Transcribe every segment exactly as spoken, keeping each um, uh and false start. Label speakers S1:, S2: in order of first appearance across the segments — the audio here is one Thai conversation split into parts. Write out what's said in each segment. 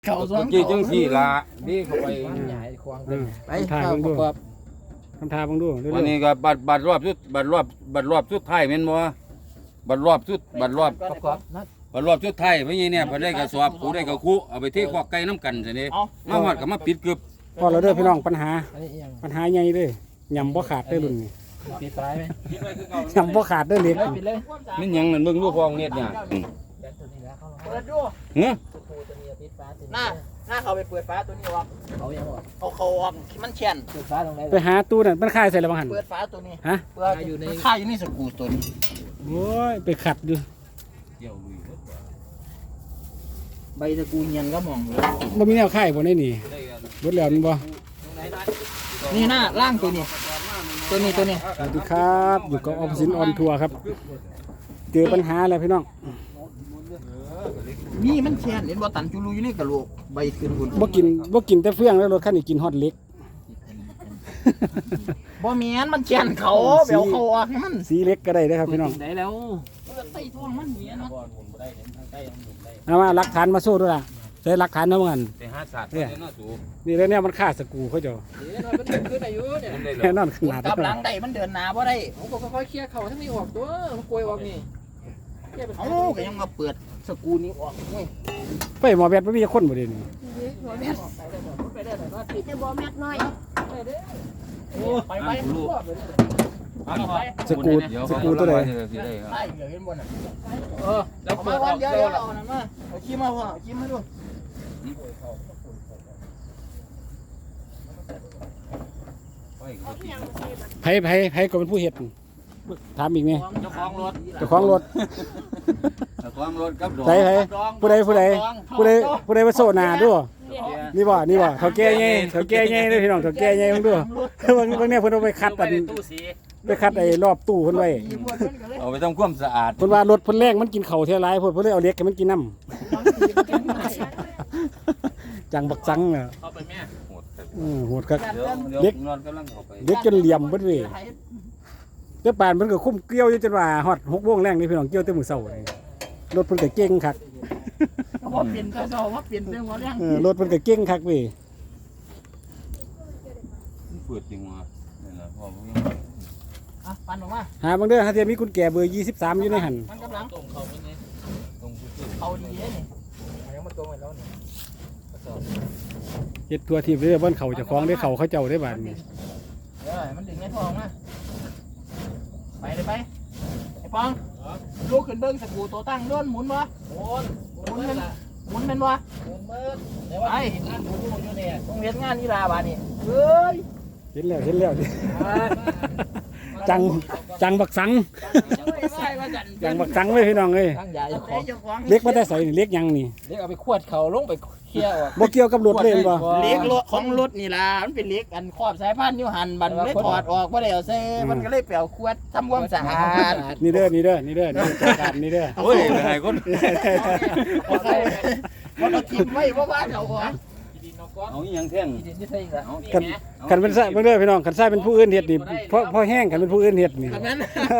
S1: เขาสอง
S2: กี่จังสี่ละนี่เข้าไป
S1: ไปข้าวประกอบ
S3: ทำทาบังดูเรื่
S2: วัน
S3: อย
S2: นี้ก็บัดบัดรอบสุดบัดรอบบัดรอบสุดท้ายแม่นบ่บัดรอบสุดบัดรอบ
S1: ประกอบนะ
S2: บัดรอบสุดท้ายเพราะงี้เนี่ยเพิ่นได้กระสอบกูได้กระคุเอาไปเทคอกไก่น้ำกันซะนี่มาฮอดก็มาปิดกึบ
S3: ๆพอเราเด้อพี่น้องปัญหา
S1: อันนี้ยัง
S3: ปัญหาใหญ่เลยยำบ่ขาดเด้อรุ่นนี้
S1: ปิดท้ายไหม
S3: ยำบ่ขาดเด้อเล็ก
S1: ปิดเลย
S2: มันหยังนั่นเบิ่งดูพองเน็ตเนี่ยอืม
S1: เปิดดู
S2: เฮ้อ
S1: หน้าหน้าเขาไปเปิดฟ้าตัวนี้ออกเขายังออกเขาเขาออกมันเชียนเปิดฟ้าตรงไหน
S3: ไปหาตู้นั่นมันคายใส่แล้วบังหัน
S1: เปิดฟ้าตัวนี้
S3: ฮะ
S1: เปิดอยู่ในค่าอยู่ในสกูตัวนี้
S3: โอ้ยไปขัดอยู่
S2: เดี๋ยวลุย
S1: ใบสกูเงียนก็มองอยู่
S3: บ่มีแนวคายบ่ได้นี่เบิดแล้วนี่บ่
S1: นี่หน้าล่างตัวนี้ ตัวนี้ตัวนี้
S3: สวัสดีครับอยู่กับออมสินออนทัวร์ครับเจอปัญหาแล้วพี่น้อง
S1: นี่มันเชียนเห็นบ่ตันจุลุยนี่กระโหลกใบขึ้นหุ่น
S3: บ่กินบ่กินแต่เฟื่องแล้วรถคันนี้กินฮอตเล็ก
S1: บ่แม่นมันเชียนเขาเบลเขาออกให้มัน
S3: สีเล็กก็ได้เด้อครับพี่น้อง
S1: ได้แล้วใส่ท้องมันเมียนะ
S3: เอามาหลักฐานมาสู้ด้วยล่ะใช้หลักฐานเนาะบังหัน
S2: ไปหาศาสตร์เนี่ยน่าสู
S3: นี่แล้วเนี่ยมันฆ่าสกรูเขาเจ้า
S1: มันขึ้นอายุเนี่ย
S2: มันได้
S3: แน่
S2: แล้ว
S3: นอนขนาด
S1: กลับหลั
S3: นั้
S1: ง
S3: น
S1: ได้มันเดินหน้าบ่ได้ผมก็ค่อยๆเคลียร์เขาทั้งนี้ออกตัวมันกลวยออกนี่เอ้าก็ยังมาเปิดสกูนี้ออกเว้ย
S3: ไปหมอแบทบ่มีคนบ่ได้นี่
S1: ไปได้หน่อยว่าติด
S4: จะบอกแม่น้อย
S1: ไปไป
S3: สกรูสกรูตัวใด
S1: ใช่เดี๋ยวเห็นบนน่ะเออแล้วมาวันเดียวเดี๋ยวเอานั่นมาเอาขี้มาพ่อขี้มาดู
S3: ไผไผไผก็เป็นผู้เฮ็ดถามอีกไหม
S1: เจ้าของรถ
S3: เจ้าของรถ
S2: ความรถกับดอก
S3: ใส่ไผผู้ใดผู้ใดผู้ใดผู้ใดมาโซหนาด้วยนี่บ่นี่บ่เฒ่าแก่ใหญ่เฒ่าแก่ใหญ่เด้อพี่น้องเฒ่าแก่ใหญ่เบิ่งดูเบิ่งเบิ่งเนี่ยเพิ่นเอาไปคัดอันไปคัดไอ้รอบตู้เพิ่นไว้
S2: เอาไปทำความสะอาด
S3: เพิ่นว่ารถเพิ่นแรงมันกินข้าวเท่าไรเพิ่นเพิ่นเลยเอาเล็กให้มันกินน้ำจังบักจังน่ะ
S1: เข้าไปแม่
S2: โหด
S3: อือโหดคัก
S2: เด็กนอนกำลังเข้าไป
S3: เล็กจนเหลี่ยมเบิดเว้ยเจ้าป่านเพิ่นก็คุ้มเกลียวอยู่จนว่าฮอดหกโมงแรงนี่พี่น้องเกลียวแต่มื้อเช้านี่รถเพิ่นก็เก่งคัก
S1: ว่าเปลี่ยนกระสอบว่าเปลี่ยนเรื่องว่าเรื่อง
S3: เออรถเพิ่นก็เก่งคักเว้ย
S2: เปิดจริงวะนี่แหละพ่อผม
S1: อ่ะปันออกมา
S3: หาบางเด้อหาเทียมีกุญแจเบอร์ยี่สิบสามอยู่ในหั่น
S1: มันกำลังตรงเขาเป็นไงตรงเขาดีเลยนี่ยังมาตรงไปแล้วนี่
S3: เฮ็ดตัวทีเด้อบ่นเขาเจ้าของได้เขาเขาเจ้าได้บาดนี้
S1: เออมันดึงในทองนะไปเลยไปไอ้ปองลูกขึ้นเบิ้งสกูตัวตั้งโดนหมุนวะหมุนหมุนเป็นหมุนเป็นวะหมุนเบิ้งไปต้องเรียนงานนี่ลาบานี่เฮ้ย
S3: เห็นแล้วเห็นแล้วจังจังบักสังจังบักสังเลยพี่น้องเอ้ย
S1: ตั้งใหญ่ของ
S3: เล็กบ่ได้ใส่นี่เล็กยังนี่
S1: เล็กเอาไปขวดเขาลงไปเคลียร์ออก
S3: บ่เกี่ยวกับรถเลยบ่
S1: เล็กรถของรถนี่ล่ะมันเป็นเล็กอันครอบสายพันธุ์อยู่หันบันเลยถอดออกบ่ได้เอาใส่มันก็เลยเปลี่ยวขวดทำความสะอาด
S3: นี่เด้อนี่เด้อนี่เด้อนี่จัดการนี่เด้อ
S2: โอ้ยเป็นไงคน
S1: มันเอาทิมไว้เพราะว่าเอาหัว
S2: เอาอีหยังแท่ง
S1: ดินที่ใส่อีกแล้ว
S3: กันกันเป็นซะเบิ่งเด้อพี่น้องกันซะเป็นผู้อื่นเฮ็ดนี่เพราะเพราะแห้งกันเป็นผู้อื่นเฮ็ดนี่
S1: นั้น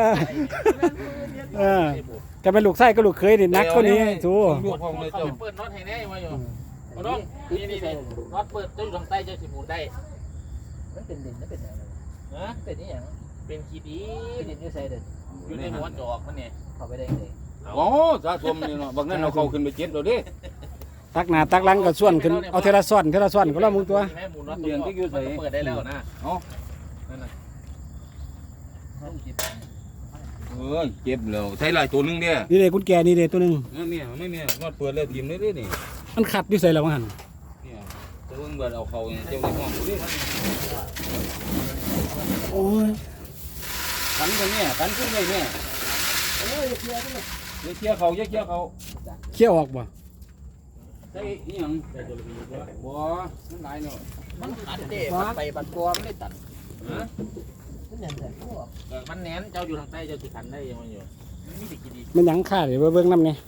S3: เออกันเป็นลูกไส้ก็ลูกเคยนี่นักกว่านี้สู
S2: ลูกพ่อเลยเจ้า
S5: เปิดน็อตให้แน่มาอยู่มาน้องนี่นี่นี่น็อตเปิดจะอยู่ทางใต้จะสิหมุนได้
S1: มันเป็นดินมันเป็นอะไร
S5: นะ
S1: เป็นนี่อย่าง
S5: เป็นขีดี
S1: เป็นดินที่ใส่เด็ด
S5: อยู่ในหัวจอกมันเนี่ย
S1: เข้าไปได้เลย
S2: โอ้สะสมนี่เนาะบางนั้นเอาเข้าขึ้นไปเจ็บแล้วดิ
S3: ตักหน้าตักหลังก็ส่วนขึ้นเอาเทละซ้อนเทละซ้อนก็แล้วมึงตัว
S5: แม่หมุนน็อตตัวเปิดได้แล้วนะ
S2: เอา
S5: นั่นน่ะ
S2: เออเจ็บแล้วใช้หลายตัวนึงเด้อ
S3: นี่เด้กุญแจนี่เด้ตัวหนึง
S2: ไม่มีไม่มีนอดเปิดแล้วทีมเลยดินี่
S3: มันขัดอยู่ใส่แล้วว่าหั่น
S2: เนี่ยตัวเบิ่งเอาเข้าเจ้าในห้องดูดิ
S3: โอ้ย
S2: ขันกันเนี่ยขันขึ้นเลยเนี่ยเอ้ยเคี่ยวเคี่ยวเขาเคี่ยวเขา
S3: เคี่ยวออกบ่
S2: ใช่อีหยังบ่มันหลายเนาะ
S1: มันขัดเด็มันไปบัดตัวมันได้ตัดมันอย่างไร
S5: มันแหนนเจ้าอยู่ทางใต้เจ้าสิทันได้ยังมันอยู่มีแต่ขีดี
S3: มันหยังค่าเดี๋ยวเบิ่งนำนี่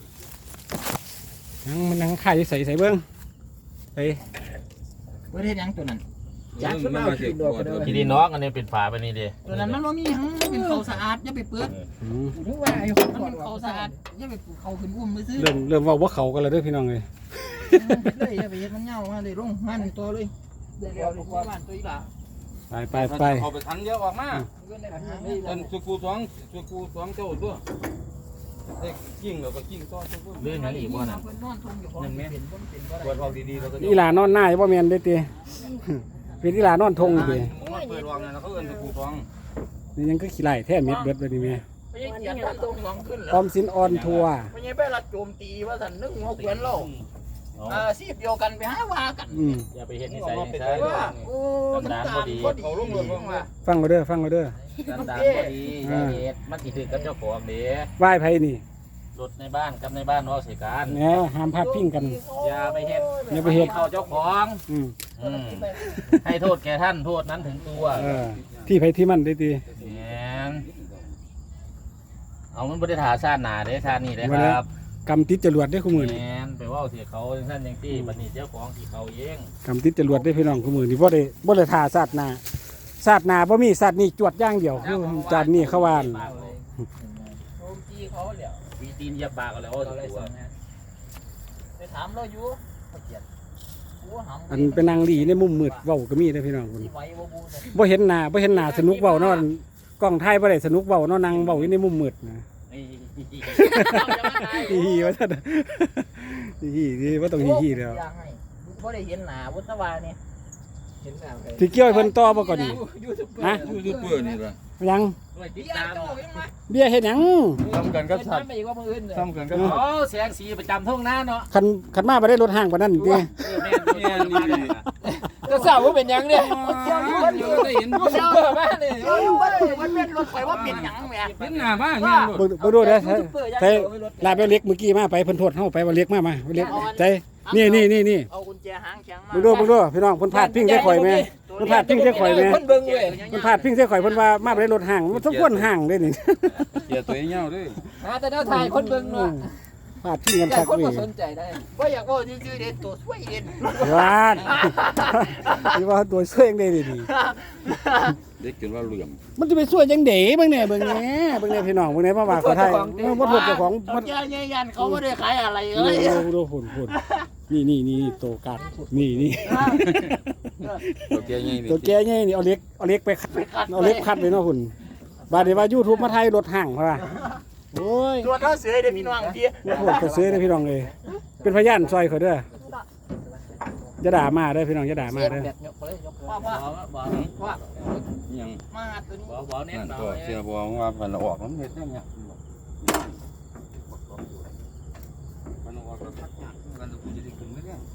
S3: หยังมันหยังค่าอยู่ใส่ใส่เบิ่งไป
S1: ประเทศยังตัวนั้นจากสุดเอาขี้ดอกกันเด้อ
S5: กินดีน้องอันนี้เป็นฝาไปนี่ดิ
S1: ตัวนั้นมันบ่มีหยังมันเป็นเขาสะอาดอย่าไปเปิด
S3: อืม
S1: ถึงว่าอยู่มันเป็นเขาสะอาดอย่าไปเขาขึ้นอุ้มไปซื้อ
S3: เริ่มเริ่มเว่าว่าเขากันแล้วเด้อพี่น้องเลย
S1: เลยอย่าไปเฮ็ดมันเหงามาเลยลงงานหนึ่งตัวเลยเดี๋ยวดีกว่าบ้านตัวอีหล่ะ
S3: ไปไปไป
S2: เอาไปทันเยอะออกมา
S1: เงินได้ปัญหา
S2: เอิ้นสุกูสองสุกูสองเจ้าตัวเด็กกิ้งแล้วก็กิ้งต่อสุกู
S5: เรื่องนั้นอีกว่าน่ะ
S1: เพิ่นนอนทงอยู่ของเป็นบ่เป็นบ่
S2: ปว
S1: ได้
S2: ดออกดีๆแล้วก็
S3: อีหลานอนหน้าบ่แม่นเด้อติเป็นอีหลานอนทงอยู่ติ
S2: เปิดวางนั่นเขาเอิ้นสุกูสอง
S3: นี่ยังก็ขี้ไหล่แท้เม็ดเบิดไปนี่แม่
S1: ไม่ใช่เกียรตินอนทงสองขึ้น
S3: อ
S1: แล้ว
S3: อมสินออนทัวร์
S1: ไม่ใช่ไปรัดโจมตีว่าสันนึกหัวเกวียนเราอ่าซีบเดียวกันไปหาว่ากัน
S3: อืม
S5: อย่าไปเห็นนิสัยนิสัย
S1: ว่าโอ้สันดานพอดีเขาลงเรือลงมา
S3: ฟังเอาเด้อฟังเอาเด้อ
S5: สันดานพอดีอย่าเห็ดมันสิถือกับเจ้าของเด้
S3: ไหว้ไผนี่
S5: รถในบ้านกับในบ้านเนาะสิการ
S3: แหมห้ามพาดพิงกัน
S5: อย่าไปเห็ด
S3: อย่าไปเฮ็ด
S5: เข้าเจ้าของ
S3: อืม
S5: อืมให้โทษแก่ท่านโทษนั้นถึงตัว
S3: เออที่ไผที่มันได้ติ
S5: แหมเอามันบ่ได้ถาชาติหน้าเด้ชาตินี้เด้ครับ
S3: กำติดจรวดได้อคู่มือนี่
S5: แหมไปเว่าเสียเขาจังซั่นจังซี่บัดนี้เจ้าของที่เขาเอง
S3: กำติดจรวดได้อพี่น้องคู่มือนี่บ่ได้บ่ได้ท่าศาสตร์หน้าศาสตร์หน้าบ่มีศาสตร์นี่จวดอย่างเดียวคือจานนี้เขาว่านั่น
S1: โจมตีเขาเหลียว
S5: วีตีนเหยับปากเอาแล้วเอา
S1: เราเลย
S5: ตัว
S1: สั่งงานไปถามเราอยู่เขาเกียรติกูหำ
S3: อันเป็นนางดีในมุมมืดเว้าก็มีเด้อพี่น้องพุ่น
S1: ที่ไว้บ่บูเนี่ย
S3: บ่เห็นหน้าบ่เห็นหน้าสนุกเว้าเนาะกล้องถ่ายบ่ได้สนุกเว้าเนาะนั่งเว้าอยู่ในมุมมืดนะ
S5: ไอ้
S3: ฮีฮีว่าซั่นฮีฮีบ่ต้องฮีฮีแล้ว
S1: อย่างให้บ่ได้เห็นหน้าวุฒิวาเนี่ยเห็นหน้าใคร
S3: สิเกี่ยวให้เพิ่นต่อบ่ก่อนนี่
S1: ยูทูบเบอร์
S3: ฮะ
S2: ยูทูบเบอร์นี่ล่ะ
S3: ยัง
S5: ด้วยติด
S1: พี่อา
S5: ตาม
S1: โต้เห็นไหม
S3: เบี้ยเฮ็ดหยัง
S2: ทำกันกับสัตว์
S1: ไม่อีกว่ามืออื่นเลย
S2: ทำกันกับ
S5: โอ้
S2: สัตว์
S5: เสียงสีประจำทุ่งนาเนาะ
S3: คันคันมาบ่ได้รถห้างปานนั้นติ
S5: เออแม่น
S2: แม่นนี่ดิ
S1: ก็ทราบว่าเป็นยังเนี่ยเจ้าอยู่
S2: อยู่ได้เห็น
S1: ยูทูบเบอร์มาเนี่ยเจ้าอยู่ว่ามันเป็นรถไฟว่าเป็นยังแม่
S2: เห็นหน้าบ้านเนี่ย
S3: เบิ่งเบิ่งดูเด้อใส่ลาไปเล็กเมื่อกี้มาไปเพิ่นโทษเฮาไปว่าเล็กมามาเล็กใจนี่นี่นี่นี่
S1: เอากุญแจหางแข็งมา
S3: เบิ่งดูเบิ่งดูพี่น้องเพิ่นพาดพิงใส่ข่อยแม่เพิ่นพาดพิงใส่ข่อยแม่
S1: คนเบิ่งเว้ย
S3: เพิ่นพาดพิงใส่ข่อยเพิ่นว่ามาบ่ได้รถห้างมันสมควรห้างเด้นี่
S2: เกียร์ตัวเงี้ยด้วย
S1: หาแต่แนวถ่ายคนเบิ่งเนาะ
S3: พาดพิงกัน
S1: แต่
S3: คัก
S1: คน
S3: เว้
S1: บ่
S3: ย
S1: สนใจได้บ่อยากว่าชื่อๆเด่นตัวสวยเด่น
S3: วาดนี่ว่าตัวช่วยจังได๋นี่
S2: เด็กจนว่าเหลื่อม
S3: มันจะไปช่วยจังได๋เบิ่งแน่เบิ่งแน่เบิ่งแน่พี่น้องเบิ่งแน่มาว่าเขาไทยบ่โทษเจ้าของ
S1: มั
S3: มัน น
S1: ยันยันเขาบ่ได้ขายอะไรเล
S3: ดู
S1: ย
S3: ดูดูพุ่นพุ่นนี่นี่นี่โตกัดนี่นี่
S2: ตัวเกียร์ใหญ่นี่
S3: ตัวแกใหญ่นี่เอาเล็กเอาเล็กไปคัดเอาเล็กคัดไว้เนาะพุ่นบาดนี้ว่า YouTube มาไทยรถห้างพุ่นว่าโอ้ย
S1: ตัวเท่าเสือเด้พี่น้องพี่
S3: บ่โทษก็ซื้อเด้อพี่น้องเอ้ยเป็นพยานซอยเขาเด้ออย่าด่ามาเด้อพี่น้องอย่าด่ามาเด้อ
S1: ว่าว่า
S5: บอกบอก
S1: ว่า
S2: ยัง
S1: มาตัวนี้
S5: บอกบอกเน้น
S2: นั่น
S5: เนาะ
S2: ตัวเสียบัวว่ามันออกมันเห็ดยังไงมันออกแล้วทักยากกันกูจะได้กินไหมเนี่ย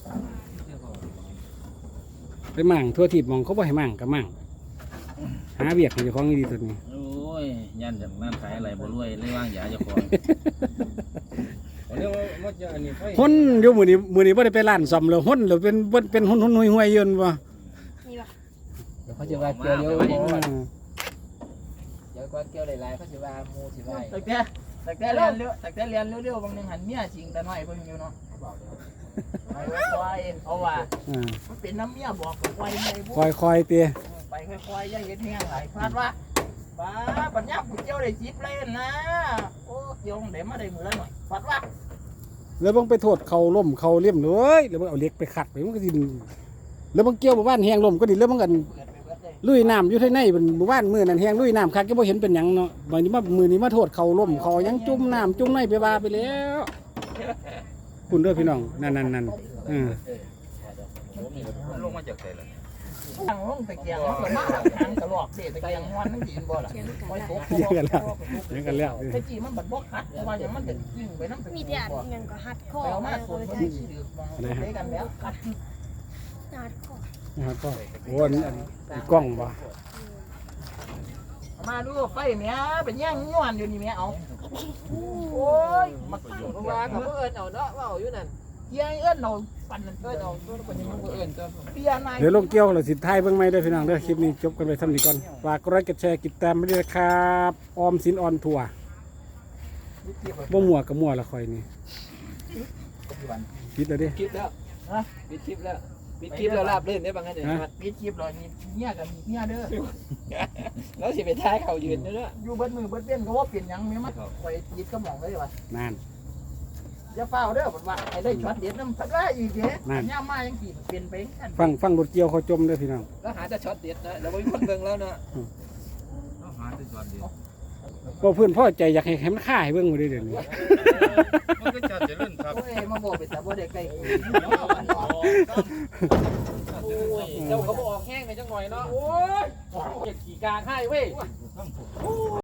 S3: ไปมั่งทั่วทิศมองเขาบ่ให้มั่งก็มั่งหาเวียกให้เจ้าของดีๆตัวนี้
S5: โอ้ยยันจากนั่นขายอะไรบ่รวยเลยว่างยาเจ้าของ
S2: วันนี้ว่าจะอันนี้ไฟ
S3: หุ่นอยู่มื้อนี้มื้อนี้บ่ได้ไปร้านซ่อมแล้วหุ่นแล้วเป็นเป็นเป็นหุ่นๆห่วยๆอยู่นั่นบ่
S1: เดี๋ยวเขาจะว่าเกี่ยวเยอะ
S3: อ่า
S1: เดี๋ยวก็เกี่ยวหลายๆเขาจะว่ามูสิว่าแต่แต่แต่แต่เรียนเร็วแต่แต่เรียนเร็วๆบางนึงหันเมียจริงแต่น้อยเพิ่นอยู่เนาะไปค่อยๆเพราะว่า
S3: อ่า
S1: มันเป็นน้ำเมียบอกกับไว้ในบุ
S3: คอยๆเตีย
S1: ไปค่อยๆอย่าเห็นแห้งหลายพลาดว่าป้าปัญญากูเกี่ยวได้จิบเลยนะโอ้เกี่ยวได้มาได้มือละหน่อยพลาดว่า
S3: แล้วบังไปโทษเขาล่มเขาเลี่ยมเลยแล้วบังเอาเหล็กไปขัดไปมันก็สิแล้วบังเกี่ยวหมู่บ้านแหงล่มก็ดิแล้วบังกัน
S1: เปิดไปเปิดเลย
S3: ลุยน้ำอยู่ที่ในเป็นหมู่บ้านมือนั่นแหงลุยน้ำคักก็บ่เห็นเป็นหยังเนาะบางทีมามือนี้มาโทษเขาล่มเขายังจุ่มน้ำจุ่มในไปว่าไปแล้วคุณเด้อพี่น้องนั่นนั่นนั่นอืม
S2: มันลงมาจากไหนล่ะ
S1: ทางลงตะเกียงมันก็มาทางตลอดเด็ตะเกียงวันนั่นดีนบ่ล่ะคอยตก
S3: เยอะกันแล้วเยอะกันแล้ว
S1: แต่จีมันบัดบ่คัดเพราะว่าอย่างมันเด็ดยิ่งไปน้ำตะ
S4: มี
S1: เกีย
S4: แต่
S1: งบ่
S4: เงินก็ฮัดคอ
S1: ไปเอามา
S4: มา
S1: สู
S4: เล
S1: บ
S4: ย
S1: มัน
S4: ใช่
S1: ขี้ดื้อมองได้กันแล้วคัด
S4: ฮัดคอ
S3: นะครับก็โอ้อันอันอันกล้องบ่
S1: มาดูไฟแม่เป็นย่างย้อนอยู่นี่แม่เอาโอ้ยมาตั้งเพราะว่าเขาเอิ้นเอาเนาะว่าเอาอยู่นั่นเฮียเอิ้นเอาปั่นนั่นเอิ้นเอาตัวคนนี้มันเอิ้นตัวเปียนาย
S3: เดี๋ยวลงเกี่ยวแล้วสิท้ายเบิ่งใหม่เด้อพี่น้องเด้อคลิปนี้จบกันไปซ้ำนี้ก่อนฝากกดไลค์กดแชร์กดติดตามไปด้วยนะครับออมสินออนทัวร์บ่มั่วกับมั่วละคอยนี่ปิดแล้วดิ
S1: คลิปแล้วฮะปิดคลิปแล้ว
S2: ปิดคลิปแล้วลาบเล่นได้บางอันเนี่ย
S1: ปิดคลิปเลยนี่เมียกับเมียเด้อ
S2: แล้วสิไปท้ายเขายืนเด้อ
S1: อยู่เบิดมือเบิดเบี้ยนก็ว่าเปลี่ยนหยังแม่มันไว้ยิดกระหม่อมเลยว่ะ
S3: นั่น
S1: อย่าเฝ้าเด้อผมว่าไอ้ได้ช็อตเด็ดน้ำทับได้อีกเด้
S3: นั่น
S1: ย่ามายังกี่เปลี่ยนไปกัน
S3: ฟังฟังรถเกี่ยวเขาจมเด้อพี่น้อง
S2: แล้วหาแต่ช็อตเด็ดนะแล้วมีคนเบิ่งแล้วนะ
S5: หาที่จอดเดียว
S3: บ่เพื่อนพ่อใจอยากให้ให้มันฆ่าให้เบิ่งบ่ได้เดี๋ยวนี้
S5: มันก็จะเล่นครับ
S1: โอ้ยมาบอกไปแต่บ่ได้ใกล้
S5: โอ้ยเจ้าเขาบอกแห้งในจังหน่อยเนาะโอ้ยเก็บขี่กลางให้เว้ย